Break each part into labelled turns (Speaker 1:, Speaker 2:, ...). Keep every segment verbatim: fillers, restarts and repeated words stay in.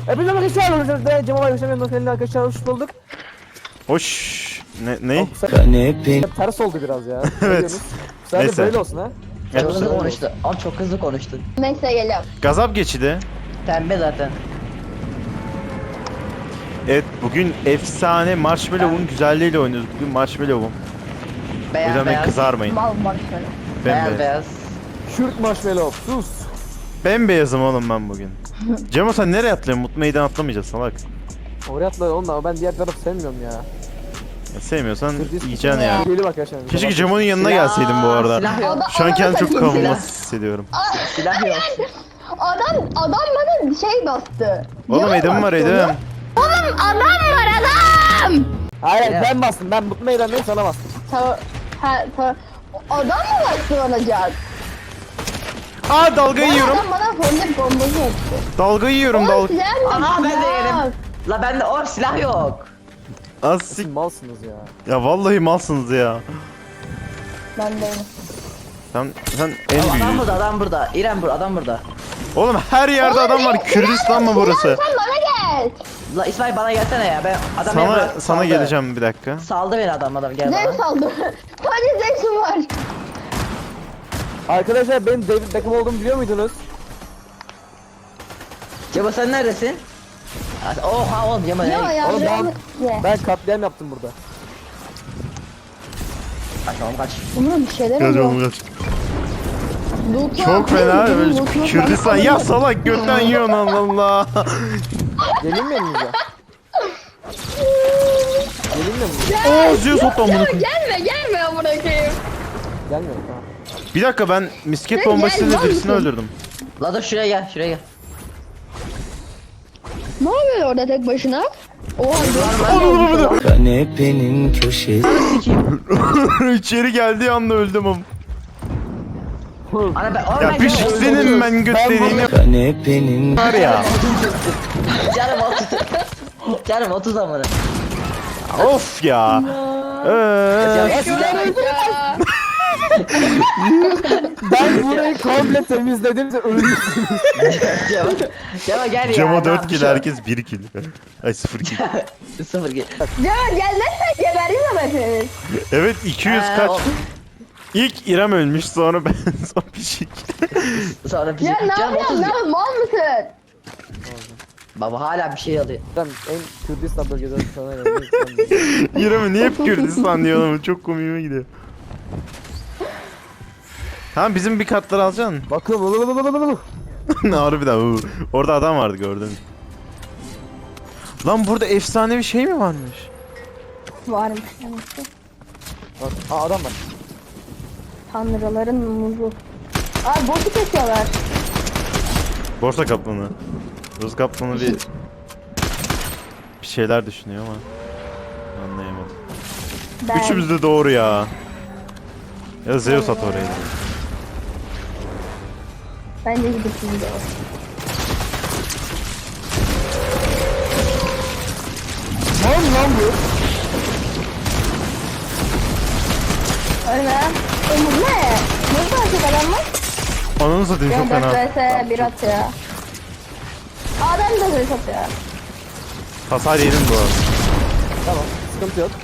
Speaker 1: Hepinize arkadaşlar aramızda Cemal arkadaşlar ben seninle arkadaşlar hoş bulduk.
Speaker 2: Hoş. Ne? Ne?
Speaker 1: Kanepe. Ters oldu biraz ya.
Speaker 2: Evet.
Speaker 1: Sadece
Speaker 2: Neyse.
Speaker 1: böyle olsun ha.
Speaker 2: Evet.
Speaker 3: Çok hızlı konuştu. Ama çok hızlı konuştun.
Speaker 4: Neyse geliyorum.
Speaker 2: Gazap geçidi.
Speaker 3: Pembe zaten.
Speaker 2: Evet, bugün efsane Marshmallow'un güzelliğiyle oynuyoruz. Bugün Marshmallow'um. O
Speaker 3: Beyaz
Speaker 2: yüzden beni
Speaker 3: beyaz.
Speaker 2: kızarmayın.
Speaker 4: Mal marshmallow.
Speaker 3: Beyaz
Speaker 2: Bembeyaz.
Speaker 3: beyaz.
Speaker 1: Şürt marshmallow sus.
Speaker 2: Bembeyazım oğlum ben bugün. Cemo sen nereye atlıyorsun? Mutlu meydan atlamayacağız salak.
Speaker 1: Oraya atla oğlum da ben diğer tarafı sevmiyorum ya.
Speaker 2: Ya sevmiyorsan
Speaker 1: Kırdıys
Speaker 2: yiyeceksin ya.
Speaker 1: Geliyor arkadaşlar.
Speaker 2: Keşke Cemo'nun yanına
Speaker 3: Silah,
Speaker 2: gelseydim bu arada.
Speaker 3: silah yok.
Speaker 4: Adam-
Speaker 2: Şu an kendimi çok
Speaker 4: Silah.
Speaker 2: kavunmasız hissediyorum.
Speaker 3: Silah yok.
Speaker 4: Adam adam bana şey bastı.
Speaker 2: Oğlum
Speaker 4: Yalan
Speaker 2: edim var
Speaker 4: bastı
Speaker 2: edim.
Speaker 4: ona. Oğlum adam var adam.
Speaker 1: Hayır
Speaker 3: Ya.
Speaker 1: ben bastım. Ben mutlu meydandayım sana bastım.
Speaker 4: Ta ha ta adam mı bastı bana can?
Speaker 2: Aa dalga yiyorum.
Speaker 4: Adam bana fondip bombası attı.
Speaker 2: Dalga yiyorum
Speaker 4: Oğlum
Speaker 2: dalga.
Speaker 4: silah mı?
Speaker 3: Aha ben de
Speaker 4: Silah.
Speaker 3: yerim. La bende o silah yok.
Speaker 2: Az
Speaker 1: Siz
Speaker 2: sik.
Speaker 1: malsınız ya.
Speaker 2: Ya vallahi malsınız ya.
Speaker 4: Ben değilim.
Speaker 2: Sen sen en
Speaker 3: Adam
Speaker 2: büyüğü.
Speaker 3: burada adam burada. İrem burada adam burada.
Speaker 2: Oğlum her yerde adam var. Kürdistan mı burası?
Speaker 4: Sen bana gel.
Speaker 3: La İsmail bana gelsene ya. Ben adam beni
Speaker 2: Sana
Speaker 3: bırak-
Speaker 2: sana
Speaker 3: saldı.
Speaker 2: geleceğim bir dakika.
Speaker 3: Saldı beni adam adam gel
Speaker 4: Zevk
Speaker 3: bana.
Speaker 4: saldı. Sadece zevkim var.
Speaker 1: Arkadaşlar benim David Beckham olduğumu biliyor muydunuz?
Speaker 3: Cebo sen neredesin? Oha oğlum Cebo
Speaker 4: Yo
Speaker 3: ne?
Speaker 4: ya.
Speaker 1: Oğlum ben-
Speaker 4: ben...
Speaker 1: Ben katliam yaptım burada.
Speaker 3: Kaç oğlum kaç.
Speaker 4: Bunun bir şeyler
Speaker 2: Gel
Speaker 4: oluyor.
Speaker 2: oğlum kaç.
Speaker 4: Loot'u
Speaker 2: Çok
Speaker 4: atayım,
Speaker 2: fena
Speaker 4: bunun
Speaker 2: böyle
Speaker 4: loot'unu
Speaker 2: Kürdistan
Speaker 4: falan
Speaker 2: ya
Speaker 4: alayım.
Speaker 2: salak götten yiyorsun Allah Allah.
Speaker 1: Gelin mi elinize? Gelin mi elinize?
Speaker 2: Oo Zeus hopla bunu.
Speaker 4: Gelme gelme amına koyayım.
Speaker 1: Gelmiyorum tamam.
Speaker 2: Bir dakika ben misket
Speaker 4: Sen
Speaker 2: bombasıyla
Speaker 4: gel,
Speaker 2: birisini
Speaker 4: lan.
Speaker 2: öldürdüm.
Speaker 3: La dur şuraya gel şuraya gel.
Speaker 4: Ne yapıyor orada tek başına? Oha dur.
Speaker 5: Kanepenin köşesi.
Speaker 2: İçeri geldiği anda öldüm ama.
Speaker 3: Ana ben oğlum
Speaker 2: Ya
Speaker 3: ben
Speaker 2: bir
Speaker 3: Cebo-
Speaker 2: senin ben götlerine
Speaker 5: Kanepenin
Speaker 2: var ya.
Speaker 3: Canım otuz. Canım otuz amına.
Speaker 2: Of ya. Ee,
Speaker 3: Ya silah
Speaker 1: Ben burayı komple temizledim. Ölmüşsün.
Speaker 3: Cemo. Cemo gel ya.
Speaker 2: Cemo
Speaker 3: ne
Speaker 2: dört
Speaker 3: yapmış
Speaker 2: kill
Speaker 3: o?
Speaker 2: herkes bir kill. Ay sıfır kill.
Speaker 3: Sıfır kill.
Speaker 4: Ya gelmezsen gebeririz ama hepimiz.
Speaker 2: Evet iki yüz
Speaker 3: Ee,
Speaker 2: kaç.
Speaker 3: o-
Speaker 2: İlk İrem ölmüş sonra ben son bir şey.
Speaker 3: Sonra bir
Speaker 4: Ya
Speaker 3: şey.
Speaker 4: ne
Speaker 3: Canım
Speaker 4: yapıyorsun?
Speaker 3: otuz.
Speaker 4: Ne yapıyorsun? Mal mısın?
Speaker 3: Baba hala bir şey alıyor.
Speaker 1: Ben en Kürdistan bölgeden sana geldim.
Speaker 2: İrem'e niye hep Kürdistan diyor ama çok komiğime gidiyor. Tamam bizim bir katları alacaksın.
Speaker 1: Bakın.
Speaker 2: Ne harbiden uu. Orada adam vardı gördün. Lan burada efsanevi şey mi varmış?
Speaker 4: Varmış demek ki.
Speaker 1: Bak, aa adam var.
Speaker 4: Tanrıların muzu. Abi botu kesiyorlar.
Speaker 2: Borsa kaplanı. Rus kaplanı bir bir şeyler düşünüyor ama anlayamadım.
Speaker 4: Ben.
Speaker 2: Üçümüz de doğru ya. Ya Zeus at oraya.
Speaker 4: Bence gidip şimdi o.
Speaker 1: Lan lan bu.
Speaker 4: Öyle. Umut ne? Nasıl açık adam var?
Speaker 2: Ananı satayım çok
Speaker 4: Ben dört
Speaker 2: fena.
Speaker 4: vs bir atıyor. Adam da dört atıyor.
Speaker 2: Hasar yedim bu arada.
Speaker 1: Tamam sıkıntı yok.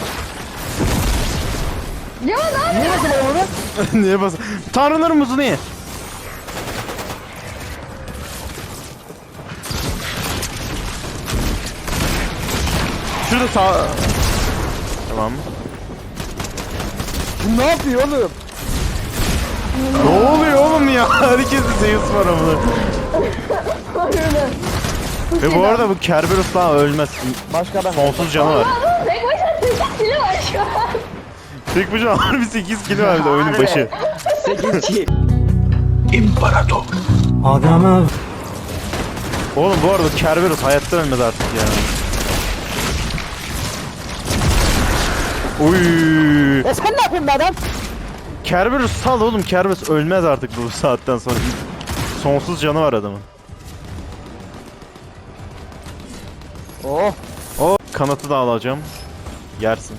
Speaker 4: Ya ne
Speaker 1: Niye nasıl ben onu?
Speaker 2: Niye bas? Tanrıların muzu niye? Şurada sağ... Tamam.
Speaker 1: Bu ne yapıyor oğlum?
Speaker 2: Ne oluyor oğlum ya? Herkeste Zeus var ama. Ve bu arada bu Kerberos daha ölmez.
Speaker 1: Başka adam.
Speaker 2: Sonsuz canı var.
Speaker 4: Tek başına sekiz kilo var şu an.
Speaker 2: Tek başına harbi sekiz kilo verdi oyunun
Speaker 3: Harbi.
Speaker 2: başı.
Speaker 3: sekiz kill.
Speaker 5: adama
Speaker 2: Oğlum bu arada Kerberos hayatta ölmez artık ya. Uy.
Speaker 1: Ya sen ne yapıyorsun be adam?
Speaker 2: Kerberos sal oğlum, Kerberos ölmez artık bu saatten sonra. Sonsuz canı var adamın.
Speaker 1: Oh.
Speaker 2: O kanatı da alacağım. Yersin.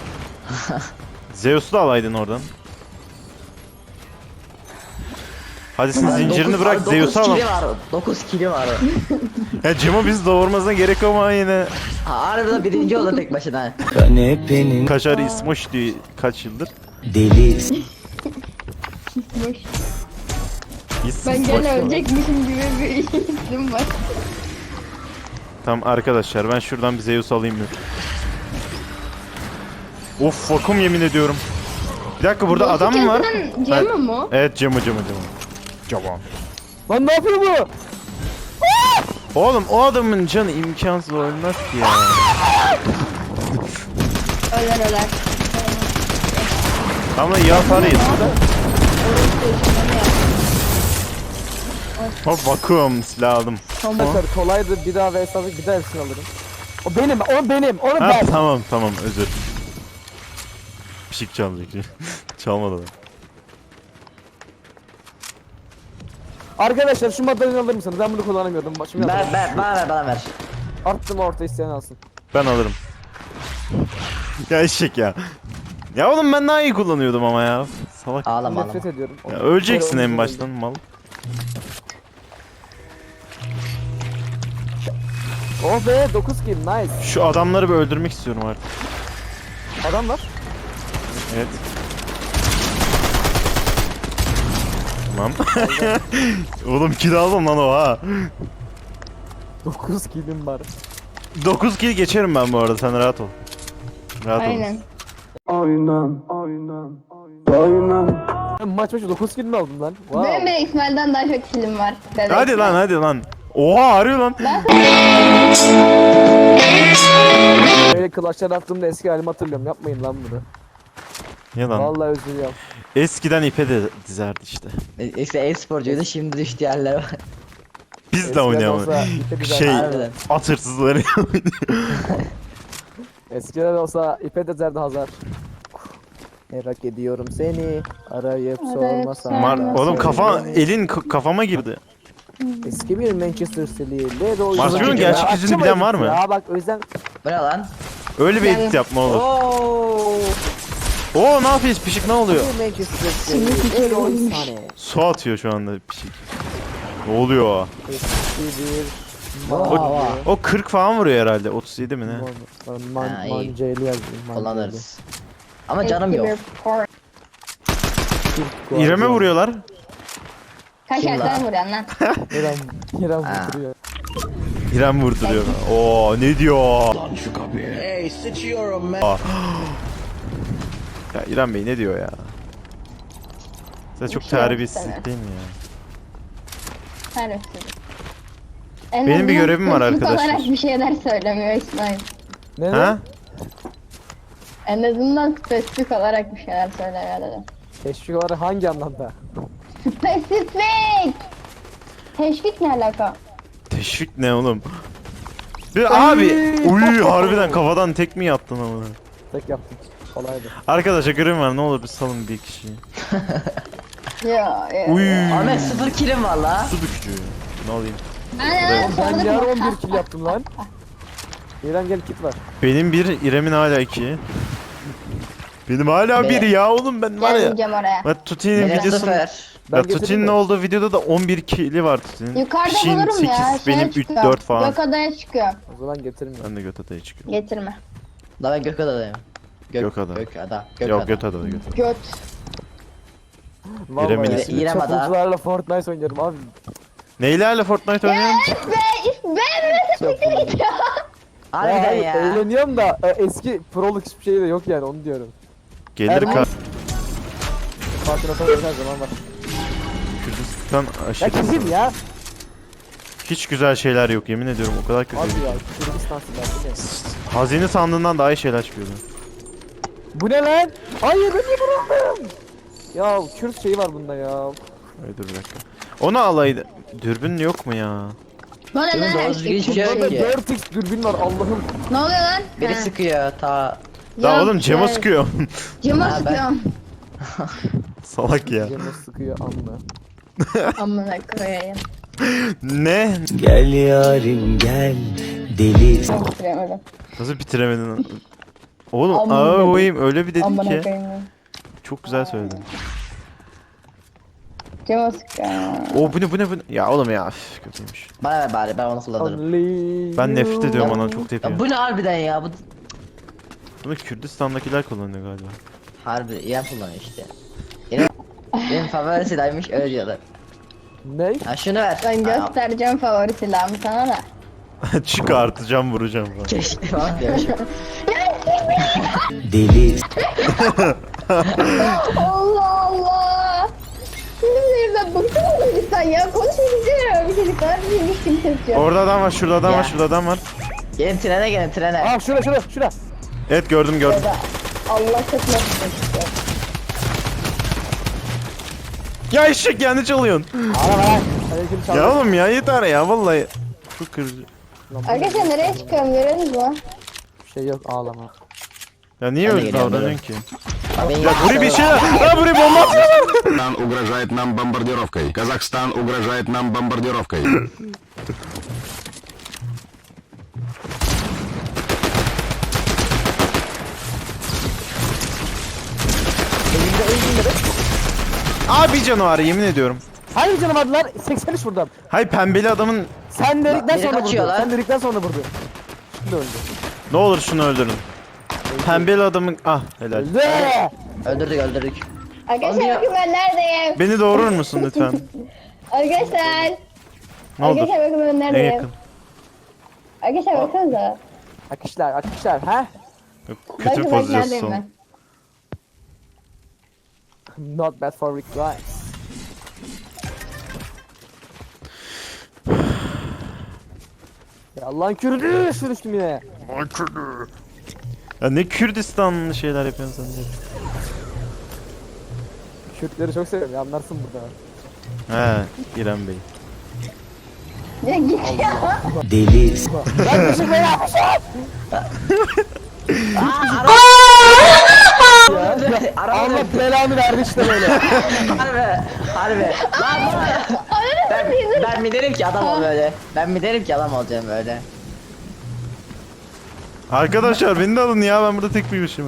Speaker 2: Zeus'u da alaydın oradan. Hadi'sin zincirini bırak, Zeus'u
Speaker 3: dokuz
Speaker 2: al.
Speaker 3: kili var. dokuz kili var.
Speaker 2: Ya Cemo biz doğurmasına gerek yok ama yine.
Speaker 3: Harbiden birinci oldu tek başına.
Speaker 5: Kanepenin
Speaker 2: Kaşar İsmoş diyor kaç yıldır.
Speaker 5: deli
Speaker 4: Boş.
Speaker 2: İsmoş
Speaker 4: Ben gene
Speaker 2: var.
Speaker 4: ölecekmişim gibi bir isim var.
Speaker 2: Tamam arkadaşlar ben şuradan bir Zeus alayım mı? Of vakum yemin ediyorum. Bir dakika burada adam mı var?
Speaker 4: Gerçekten Cem'e mi o?
Speaker 2: Evet Cemo Cemo Cemo. Cemo.
Speaker 1: Lan ne yapıyor bu?
Speaker 2: Oğlum o adamın canı imkansız ölmez ki ya.
Speaker 4: Öler öler.
Speaker 2: Ama iyi hasar yedi. Hop vakum silah aldım.
Speaker 1: Arkadaşlar kolaydı, bir daha vs aldık, bir daha hepsini alırım. O benim, o benim, onu
Speaker 2: Ha
Speaker 1: ben.
Speaker 2: tamam tamam özür. Pişik çalacak. Çalmadı da.
Speaker 1: Arkadaşlar şu madalyonu alır mısınız? Ben bunu kullanamıyordum. Başımı
Speaker 3: Ben,
Speaker 1: yapalım.
Speaker 3: ben, bana ver, bana ver.
Speaker 1: Arttım orta isteyen alsın.
Speaker 2: Ben alırım. Ya eşek ya. Ya oğlum ben daha iyi kullanıyordum ama ya. Salak.
Speaker 3: Ağlama ağlama.
Speaker 1: Nefret ediyorum.
Speaker 2: Ya öleceksin
Speaker 1: Böyle
Speaker 2: en
Speaker 1: olunca
Speaker 2: baştan mal.
Speaker 1: Oh be, dokuz kill, nice.
Speaker 2: Şu adamları bir öldürmek istiyorum artık.
Speaker 1: Adam var.
Speaker 2: Evet. Tamam. Oğlum kill aldım lan o ha.
Speaker 1: dokuz killim var.
Speaker 2: dokuz kill geçerim ben bu arada sen rahat ol. Rahat ol.
Speaker 4: Aynen.
Speaker 1: Ben maç başı dokuz kill mi aldım lan? Wow.
Speaker 4: Benim de İsmail'den daha çok film var. Bebek
Speaker 2: Hadi
Speaker 4: var.
Speaker 2: lan hadi lan. Oha arıyor lan.
Speaker 1: Böyle clutch'lar attığımda eski halimi hatırlıyorum. Yapmayın lan bunu.
Speaker 2: Ya lan.
Speaker 1: Vallahi özür dilerim.
Speaker 2: Eskiden ipe de dizerdi işte.
Speaker 3: E, İşte e-sporcuydu, şimdi düştü yerlere bak.
Speaker 2: Biz de
Speaker 1: Eskiden
Speaker 2: oynayalım.
Speaker 1: olsa ipe dizer-
Speaker 2: Şey
Speaker 3: Harbiden.
Speaker 2: at hırsızları.
Speaker 1: Eskiden olsa ipe dezerdi Hazar. Merak ediyorum seni. Arayıp sormasan.
Speaker 2: Mar
Speaker 4: Nasıl
Speaker 2: oğlum kafa
Speaker 1: beni.
Speaker 2: elin k- kafama girdi.
Speaker 1: Eski bir Manchester City'li. Leroy
Speaker 2: Marsio'nun
Speaker 1: Sané.
Speaker 2: gerçek
Speaker 1: Ya,
Speaker 2: yüzünü
Speaker 1: açma
Speaker 2: bilen var
Speaker 1: edit
Speaker 2: mı?
Speaker 1: Ya bak o yüzden.
Speaker 3: Bu ne lan?
Speaker 2: Öyle bir
Speaker 4: Yani-
Speaker 2: edit yapma olur.
Speaker 3: Oo.
Speaker 2: Oo ne yapıyoruz pişik ne oluyor?
Speaker 1: Bir Manchester City'li. Leroy Sané.
Speaker 2: Su atıyor şu anda pişik. Ne oluyor?
Speaker 1: Eski bir.
Speaker 3: Vaa, vaa.
Speaker 2: O kırk falan vuruyor herhalde. otuz yedi mi ne?
Speaker 1: Man, man,
Speaker 3: Ha, iyi.
Speaker 1: mancaylı yazdım. mancaylı.
Speaker 3: Kullanırız. Ama canım yok.
Speaker 2: İrem'e vuruyorlar.
Speaker 4: Kaç
Speaker 3: Kim
Speaker 4: yerden
Speaker 3: lan?
Speaker 4: vuruyorsun lan?
Speaker 1: İrem, İrem
Speaker 3: Ha.
Speaker 1: vurduruyor.
Speaker 2: İrem vurduruyor. Oo ne diyor? Aa. Ya İrem Bey ne diyor ya? Sen çok
Speaker 4: Bir şey yok
Speaker 2: terbiyesizlik
Speaker 4: sana.
Speaker 2: değil mi ya?
Speaker 4: Terbiyesiz. En
Speaker 2: Benim bir
Speaker 4: azından
Speaker 2: görevim var
Speaker 4: spesifik
Speaker 2: arkadaşlar.
Speaker 4: olarak bir şeyler söylemiyor İsmail.
Speaker 1: Ne
Speaker 2: Ha?
Speaker 1: lan?
Speaker 4: En azından spesifik olarak bir şeyler söylemiyor dedim.
Speaker 1: Teşvik olarak hangi anlamda?
Speaker 4: Spesifik! Teşvik ne alaka?
Speaker 2: Teşvik ne oğlum? Bir abi uy harbiden kafadan tek mi yattın ama?
Speaker 1: Tek yaptım. Kolaydı.
Speaker 2: Arkadaşlar görevim var ne olur bir salın bir kişiyi.
Speaker 4: Ya ya.
Speaker 2: Uy.
Speaker 3: Ahmet sıfır kilim var la.
Speaker 2: Su dökücü. Ne alayım?
Speaker 4: Aynen
Speaker 1: Ben
Speaker 4: sorduk
Speaker 1: yar
Speaker 4: mu?
Speaker 1: on bir kill yaptım lan. İrem gel kit var.
Speaker 2: Benim bir, İrem'in hala iki. Benim hala
Speaker 3: Be-
Speaker 2: bir ya oğlum ben var ya.
Speaker 4: Gelmeyeceğim oraya.
Speaker 2: Ben Tuti'nin
Speaker 3: Benim
Speaker 2: videosunu...
Speaker 3: sıfır.
Speaker 1: Ben
Speaker 2: Ya
Speaker 1: getirdim
Speaker 2: Tuti'nin
Speaker 1: de.
Speaker 2: olduğu videoda da on bir kili var Tuti'nin.
Speaker 4: Yukarıda
Speaker 2: Pişin
Speaker 4: bulurum ya.
Speaker 2: sekiz,
Speaker 4: Şeye
Speaker 2: benim üç
Speaker 4: çıkıyor.
Speaker 2: dört falan.
Speaker 4: Gök adaya çıkıyor.
Speaker 1: O zaman getirmiyorum.
Speaker 2: Ben de göt adaya çıkıyorum.
Speaker 4: Getirme.
Speaker 3: La ben Gökada'dayım. Gök,
Speaker 2: Gökada.
Speaker 3: Gökada. Gökada.
Speaker 2: Yok göt adada göt adada.
Speaker 4: Göt.
Speaker 1: Vallahi
Speaker 2: İrem'in
Speaker 1: ya,
Speaker 2: ismi.
Speaker 3: İrem Ada.
Speaker 1: çapulcularla Fortnite oynuyorum abi.
Speaker 2: Neylerle Fortnite oynuyorum?
Speaker 4: Be, ben nasıl gidiyor?
Speaker 3: Harbiden
Speaker 1: hayır,
Speaker 3: ya.
Speaker 1: Eğleniyorum da e, eski proluk hiçbir şey de yok yani onu diyorum.
Speaker 2: Gelir
Speaker 1: Erman-
Speaker 2: ka...
Speaker 1: Fatih Atan her zaman var.
Speaker 2: Kürdistan
Speaker 1: Ya
Speaker 2: aşırı.
Speaker 1: kim ya?
Speaker 2: Hiç güzel şeyler yok yemin ediyorum o kadar kötü.
Speaker 1: Abi ya Kürdistan silahı ne?
Speaker 2: Hazine sandığından daha iyi şeyler çıkıyordu.
Speaker 1: Bu ne lan? Hayır ben niye vuruldum? Ya Kürt şeyi var bunda ya.
Speaker 2: Öyle dur bir dakika. Onu alaydı. Dürbün yok mu ya?
Speaker 4: Bana
Speaker 3: Benim
Speaker 4: ne?
Speaker 3: doğru düzgün hiçbir şey yok
Speaker 1: Burada
Speaker 3: ki.
Speaker 1: dört x dürbün var Allah'ım.
Speaker 4: Ne oluyor lan?
Speaker 3: Biri
Speaker 4: Ha.
Speaker 3: sıkıyor ta.
Speaker 2: Daha
Speaker 4: Yok,
Speaker 2: oğlum Cemo
Speaker 4: yok.
Speaker 2: sıkıyor.
Speaker 4: Cema
Speaker 3: Ha, ben-
Speaker 4: sıkıyorum.
Speaker 2: Salak ya.
Speaker 1: Cemil sıkıyor amma.
Speaker 4: Amına koyayım.
Speaker 2: Ne?
Speaker 5: Gel yarim gel deli
Speaker 4: Bitiremedim.
Speaker 2: Nasıl bitiremedin? lan? Oğlum
Speaker 4: Amına
Speaker 2: aa
Speaker 4: dedim.
Speaker 2: koyayım öyle bir dedin
Speaker 4: Amına
Speaker 2: ki.
Speaker 4: koyayım.
Speaker 2: Çok güzel söyledin.
Speaker 4: Cama sıkıyor.
Speaker 2: O bu ne bu ne bu ne? Ya oğlum ya üf, kötüymüş.
Speaker 3: Bana ver bari ben onu kullanırım.
Speaker 1: Only
Speaker 2: Ben nefret
Speaker 1: you.
Speaker 2: ediyorum ona çok tepiyor.
Speaker 3: Ya bu ne harbiden ya bu
Speaker 2: Bunu Kürdistan'dakiler kullanıyor galiba.
Speaker 3: harbi İrem kullanıyor işte. Benim, benim favori silahıymış öyle diyorlar.
Speaker 1: Ne?
Speaker 3: Ha şunu ver.
Speaker 4: Ben
Speaker 3: Aa,
Speaker 4: göstereceğim favori silahımı sana da.
Speaker 2: Çıkartacağım vuracağım falan.
Speaker 3: Keşke falan diyormuşum.
Speaker 5: deli,
Speaker 4: Allah Allah. Şimdi ben bıktım mı lütfen ya? Konuşmayacağım bir çocuklar. Bir hiç kimse yok.
Speaker 2: Orada adam var, şurada adam var,
Speaker 3: Ya.
Speaker 2: şurada adam var.
Speaker 3: Gelin trene gelin trene.
Speaker 1: Aa şura şura şura.
Speaker 2: Evet gördüm gördüm.
Speaker 4: Ya da Allah katına tutuyor.
Speaker 2: Ya eşek ya ne çalıyorsun?
Speaker 1: Ara ver. Aleyküm
Speaker 2: Ya
Speaker 1: selam.
Speaker 2: oğlum ya yeter ya vallahi. Çok kırıcı.
Speaker 4: Arkadaşlar nereye çıkıyorum görüyorsunuz mu?
Speaker 1: Bir şey yok ağlama.
Speaker 2: Ya niye
Speaker 3: Ben de
Speaker 2: öyle
Speaker 3: geliyorum,
Speaker 2: davranıyorsun ki?
Speaker 3: Abi,
Speaker 2: Ya buraya bir şey Ha buraya bomba atıyorlar.
Speaker 6: Казахстан угрожает нам бомбардировкой. Казахстан угрожает нам бомбардировкой.
Speaker 2: Abi canavar yemin ediyorum.
Speaker 1: Hangi canım vardılar? seksen üç vurdum.
Speaker 2: Hay pembeli adamın
Speaker 1: Sen dedikten
Speaker 3: biri
Speaker 1: sonra
Speaker 3: kaçıyor
Speaker 1: vurdu.
Speaker 3: lan.
Speaker 1: Sen dedikten sonra vurdu. Şimdi öldü.
Speaker 2: ne olur şunu öldürün. Pembeli adamın ah helal.
Speaker 1: Öldü.
Speaker 3: öldürdük öldürdük.
Speaker 4: Arkadaşlar bakın ben neredeyim?
Speaker 2: Beni doğurur musun lütfen?
Speaker 4: Arkadaşlar.
Speaker 2: Ne olur?
Speaker 4: Arkadaşlar bakın ben
Speaker 2: En
Speaker 4: neredeyim?
Speaker 2: yakın.
Speaker 4: Arkadaşlar baksanıza.
Speaker 1: Akışlar akışlar ha?
Speaker 2: Yok,
Speaker 4: Bakın
Speaker 2: kötü
Speaker 4: bak
Speaker 2: pozisyon.
Speaker 4: neredeyim ben.
Speaker 1: Not bad for Rick Grimes. Ya Allah'ın kürdü sürüştüm yine.
Speaker 2: Ya ne Kürdistanlı şeyler yapıyorsun sen de.
Speaker 1: Kürtleri çok seviyorum ya anlarsın burada.
Speaker 2: He İrem Bey.
Speaker 4: Ya git ya.
Speaker 5: deli,
Speaker 1: Yaklaşık beni yapmışım.
Speaker 3: Araba
Speaker 1: Allah belanı verdi işte böyle.
Speaker 3: harbi harbi. Lan ben, ben mi derim ki adam ol böyle. Ben mi derim ki adam olacağım böyle.
Speaker 2: Arkadaşlar beni de alın ya ben burada tek büyümüşüm.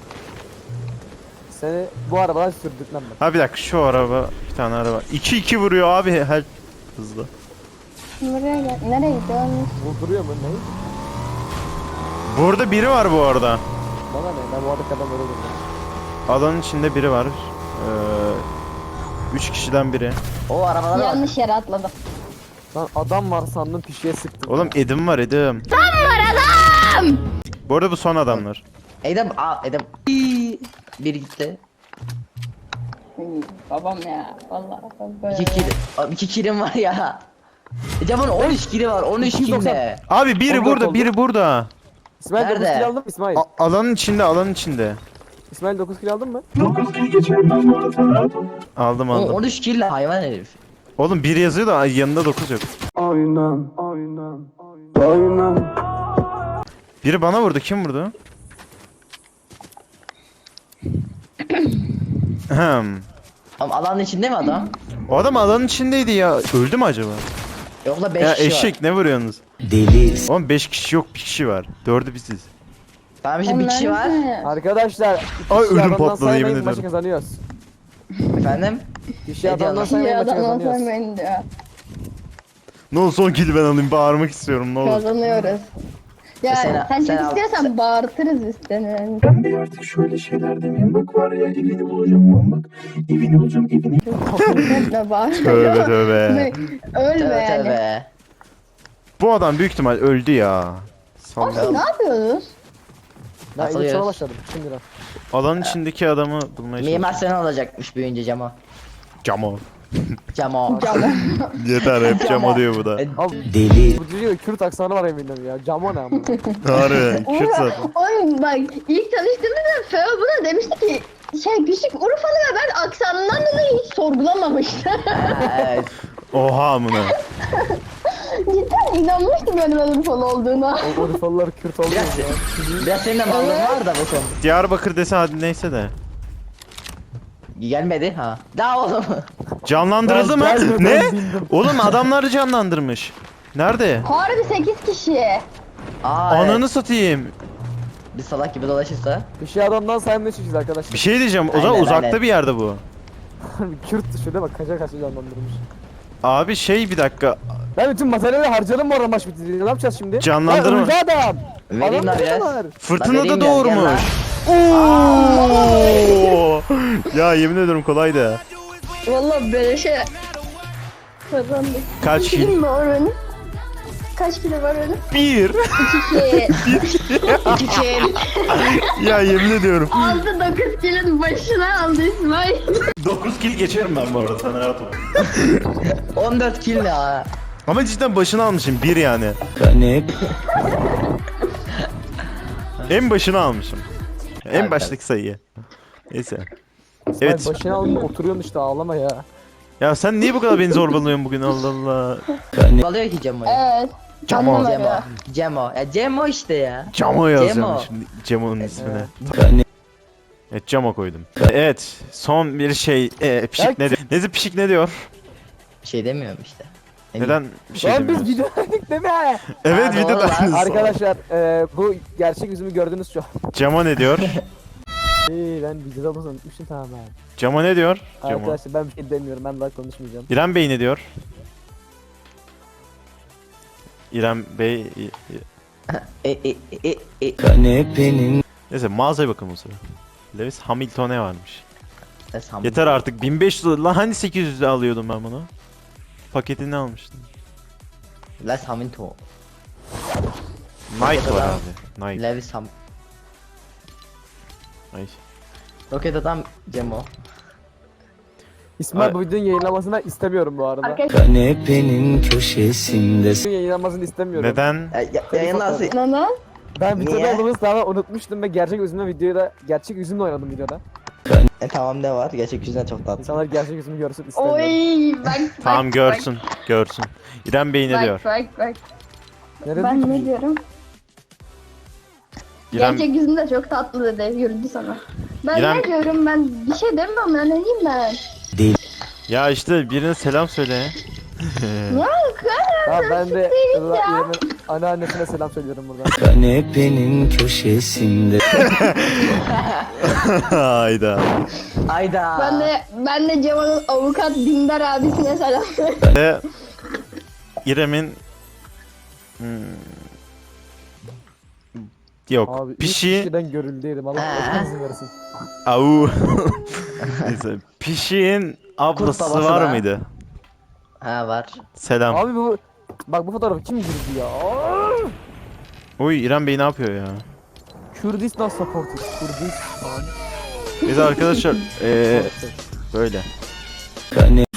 Speaker 1: Seni bu arabadan sürdük lan ben.
Speaker 2: Ha bir dakika şu araba bir tane araba. iki iki vuruyor abi her hızlı.
Speaker 4: Buraya gel. Nereye gidiyorsun?
Speaker 1: Vurduruyor mu ne?
Speaker 2: Burada biri var bu arada.
Speaker 1: Bana ne? Ben bu arada kadar böyle vurdum.
Speaker 2: Alanın içinde biri var. Ee, üç kişiden biri.
Speaker 3: O arabalara bak.
Speaker 4: Yanlış yere atladım.
Speaker 1: Lan adam var sandım pişiye sıktım.
Speaker 2: Oğlum Edim var Edim. Tam var adam. Bu arada bu son adamlar.
Speaker 3: Edem aa Edem. İyi. Bir gitti.
Speaker 4: Babam ya. Vallahi böyle.
Speaker 3: İki kill. Abi iki killim var ya. Edem'in on üç killi var. on üç
Speaker 1: iki yüz doksan.
Speaker 3: kille.
Speaker 2: Abi biri
Speaker 1: Oldu,
Speaker 2: burada
Speaker 1: oldu.
Speaker 2: biri burada.
Speaker 1: İsmail dokuz
Speaker 3: Nerede?
Speaker 1: kilo aldın mı İsmail?
Speaker 2: A- alanın içinde alanın içinde.
Speaker 1: İsmail dokuz kilo aldın mı?
Speaker 2: Aldım
Speaker 3: O
Speaker 2: aldım.
Speaker 3: on üç kille hayvan herif.
Speaker 2: Oğlum bir yazıyor da yanında dokuz yok. Biri bana vurdu. Kim vurdu? Ahem.
Speaker 3: Ama alanın içinde mi adam?
Speaker 2: O adam alanın içindeydi ya. Öldü mü acaba?
Speaker 3: Yok da beş
Speaker 2: Ya
Speaker 3: kişi
Speaker 2: eşek
Speaker 3: var.
Speaker 2: ne vuruyorsunuz?
Speaker 5: deli,
Speaker 2: Oğlum beş kişi yok bir kişi var. Dördü biziz.
Speaker 3: Tamam işte bir kişi var.
Speaker 1: Arkadaşlar. iki
Speaker 2: Ay,
Speaker 1: kişi
Speaker 2: ödüm
Speaker 1: adamdan
Speaker 2: patladı,
Speaker 1: saymayın,
Speaker 2: yemin
Speaker 1: maçı
Speaker 2: ediyorum.
Speaker 1: kazanıyoruz.
Speaker 3: Efendim?
Speaker 1: Kişi
Speaker 3: Ne
Speaker 1: adamdan
Speaker 3: diyorsun?
Speaker 1: saymayın
Speaker 4: Ya
Speaker 1: maçı
Speaker 4: adamdan
Speaker 1: kazanıyoruz.
Speaker 4: sormayın diyor.
Speaker 2: Ne olur son kili ben alayım bağırmak istiyorum ne olur.
Speaker 4: Kazanıyoruz. Ya
Speaker 3: Sen-
Speaker 4: sen,
Speaker 3: sen
Speaker 4: çok
Speaker 3: al-
Speaker 4: istiyorsan bağırtırız biz seni.
Speaker 7: Ben bir artık şöyle şeyler demeyeyim. Bak var ya evini bulacağım lan bak. Evini bulacağım evini.
Speaker 4: Ne bağır.
Speaker 2: Tövbe tövbe.
Speaker 4: Ne? Ölme
Speaker 3: Tövbe
Speaker 4: yani.
Speaker 3: tövbe.
Speaker 2: Bu adam büyük ihtimal öldü ya.
Speaker 4: Oğlum
Speaker 2: Sallam.
Speaker 4: siz ne yapıyorsunuz?
Speaker 1: Ben
Speaker 3: Atılıyoruz.
Speaker 1: ilk sonra başladım. Şimdi lan.
Speaker 2: Alanın içindeki adamı bulmaya
Speaker 3: Mimar
Speaker 2: çalışıyorum.
Speaker 3: Sinan olacakmış büyüyünce Camo.
Speaker 2: Camo.
Speaker 3: Camo.
Speaker 2: Yeter hep Camo diyor bu da.
Speaker 5: deli,
Speaker 1: Bu diyor Kürt aksanı var eminim ya. Camo ne ama.
Speaker 2: Harbi. Kürt zaten.
Speaker 4: Oğlum bak ilk tanıştığımızda Feo buna demişti ki şey küçük Urfalı ve ben aksanından dolayı hiç sorgulamamıştım.
Speaker 3: Evet.
Speaker 2: Oha amına.
Speaker 4: Cidden inanmıştım benim ben Urfalı olduğuna.
Speaker 1: O Urfalılar Kürt oldu
Speaker 3: Biraz,
Speaker 1: ya.
Speaker 3: biraz senin de mallığın var da bu konu.
Speaker 2: Diyarbakır dese hadi neyse de.
Speaker 3: Gelmedi ha. Daha oğlum.
Speaker 2: Canlandırıldı mı?
Speaker 1: Ben gelmeden
Speaker 2: Ne?
Speaker 1: bildim.
Speaker 2: Oğlum adamları canlandırmış. Nerede?
Speaker 4: Harbi sekiz kişi.
Speaker 3: Aa,
Speaker 2: Ananı
Speaker 3: evet.
Speaker 2: satayım.
Speaker 3: Bir salak gibi dolaşırsa.
Speaker 1: Kişi adamdan saymaya çalışıyoruz arkadaşlar.
Speaker 2: Bir şey diyeceğim. O zaman
Speaker 3: Aynen,
Speaker 2: uzakta
Speaker 3: aynen.
Speaker 2: bir yerde bu.
Speaker 1: Kürt şöyle bak kaça kaça canlandırmış.
Speaker 2: Abi şey bir dakika.
Speaker 1: Ben bütün materyali harcadım bu arada maç bitince. Ne yapacağız şimdi?
Speaker 2: Canlandırma.
Speaker 1: Ya öldü adam.
Speaker 3: Vereyim lan biraz.
Speaker 1: var.
Speaker 2: Fırtınada
Speaker 3: vereyim gel, gel lan.
Speaker 2: doğurmuş. Oo! Ya yemin ederim kolaydı.
Speaker 4: Vallahi böyle şey kazandık.
Speaker 2: Kaç
Speaker 4: kilim
Speaker 2: kill?
Speaker 4: var benim? Kaç kilo var benim?
Speaker 2: Bir.
Speaker 4: İki.
Speaker 3: İki kill.
Speaker 2: Ya yemin ediyorum.
Speaker 4: Aldı dokuz kilonun başına aldı İsmail.
Speaker 2: dokuz kill geçerim ben bu arada. Sen rahat ol.
Speaker 3: on dört kill ya.
Speaker 2: Ama cidden başını almışım. Bir yani.
Speaker 5: kanep
Speaker 2: En başını almışım. En
Speaker 3: Evet,
Speaker 2: baştaki sayıyı. Neyse.
Speaker 1: Evet.
Speaker 2: Evet.
Speaker 1: Başına alın oturuyorsun işte ağlama ya.
Speaker 2: Ya sen niye bu kadar beni zorbalıyorsun bugün Allah Allah.
Speaker 5: kanep
Speaker 3: Alıyor ki Cemo'yu.
Speaker 4: Evet.
Speaker 2: Camo.
Speaker 4: Anlamadım.
Speaker 3: Cemo. Cemo. Ya Cemo işte ya.
Speaker 2: Camo yazacağım
Speaker 3: Cemo.
Speaker 2: şimdi Cemo'nun ismine.
Speaker 5: kanep
Speaker 2: Evet Camo koydum. Evet son bir şey e, pişik
Speaker 1: Ya-
Speaker 2: ne diyor? Nezi pişik ne diyor?
Speaker 3: Bir şey demiyorum işte. Ne
Speaker 2: Neden bir şey
Speaker 1: Lan biz
Speaker 2: demiyoruz?
Speaker 1: videodaydık değil mi?
Speaker 2: Evet
Speaker 3: Ha, doğru
Speaker 2: videoda
Speaker 3: lan.
Speaker 2: aynısı.
Speaker 1: Arkadaşlar e, bu gerçek yüzümü gördünüz şu an.
Speaker 2: Camo ne diyor?
Speaker 1: İyi ben videoda bunu unutmuşum tamamen.
Speaker 2: Camo ne diyor? Camo.
Speaker 1: Arkadaşlar ben bir şey demiyorum ben daha konuşmayacağım.
Speaker 2: İrem Bey ne diyor? İrem Bey... i- i-
Speaker 3: E e e e.
Speaker 5: kanepenin
Speaker 2: Neyse mağazaya bakalım o sıra. Lewis Hamilton ne varmış?
Speaker 3: Sam-
Speaker 2: Yeter artık bin beş yüz lan hani sekiz yüzde alıyordum ben bunu. Paketini almıştım.
Speaker 3: Lewis Hamilton.
Speaker 2: Nike var abi. Nike.
Speaker 3: Lewis Ham.
Speaker 2: Ay.
Speaker 3: Roket adam Cemo.
Speaker 1: İsmail
Speaker 2: Ay-
Speaker 1: bu videonun yayınlanmasını istemiyorum bu arada.
Speaker 4: Arkadaşlar
Speaker 5: kanepenin köşesinde
Speaker 1: Videonun yayınlanmasını istemiyorum.
Speaker 2: Neden?
Speaker 3: Ya, ya, yayınlansın.
Speaker 4: nana.
Speaker 1: Ben videoda
Speaker 3: Niye?
Speaker 1: olduğumuzu tamamen unutmuştum ve gerçek yüzümle videoda gerçek yüzümle oynadım videoda.
Speaker 3: E tamam ne var? Gerçek yüzünden çok tatlı.
Speaker 1: İnsanlar gerçek yüzümü görsün istemiyorum.
Speaker 4: Oy bak bak.
Speaker 2: Tamam görsün. Görsün. İrem Bey ne
Speaker 4: Bak
Speaker 2: diyor?
Speaker 4: bak bak.
Speaker 1: Nerede
Speaker 4: Ben
Speaker 1: ki?
Speaker 4: ne diyorum?
Speaker 2: İrem,
Speaker 4: Gerçek yüzüm de çok tatlı dedi yürüdü sana. Ben
Speaker 2: İrem-
Speaker 4: ne diyorum ben bir şey demiyorum ya ne diyeyim ben.
Speaker 2: ya işte birine selam söyle.
Speaker 4: Ya
Speaker 1: Ha, ben de
Speaker 4: ya.
Speaker 1: İrem'in anneannesine selam söylüyorum buradan.
Speaker 5: kanepenin köşesinde
Speaker 2: Hayda.
Speaker 3: Ayda.
Speaker 4: Ben de ben de Cemal'ın avukat Dindar abisine selam
Speaker 2: Ve İrem'in hmm, yok
Speaker 1: Abi ilk
Speaker 2: pişi
Speaker 1: kişiden görüldüydüm Allah
Speaker 3: Ha.
Speaker 1: Allah izin versin.
Speaker 2: au neyse pişiğin ablası
Speaker 3: babası
Speaker 2: var
Speaker 3: da.
Speaker 2: mıydı?
Speaker 3: Ha var.
Speaker 2: Selam.
Speaker 1: Abi bu bak bu fotoğrafı kim girdi ya? Aa!
Speaker 2: Uy İrem Bey ne yapıyor ya?
Speaker 1: Kürdistan supporter. Kürdistan.
Speaker 2: Biz arkadaşlar eee böyle.
Speaker 5: kanep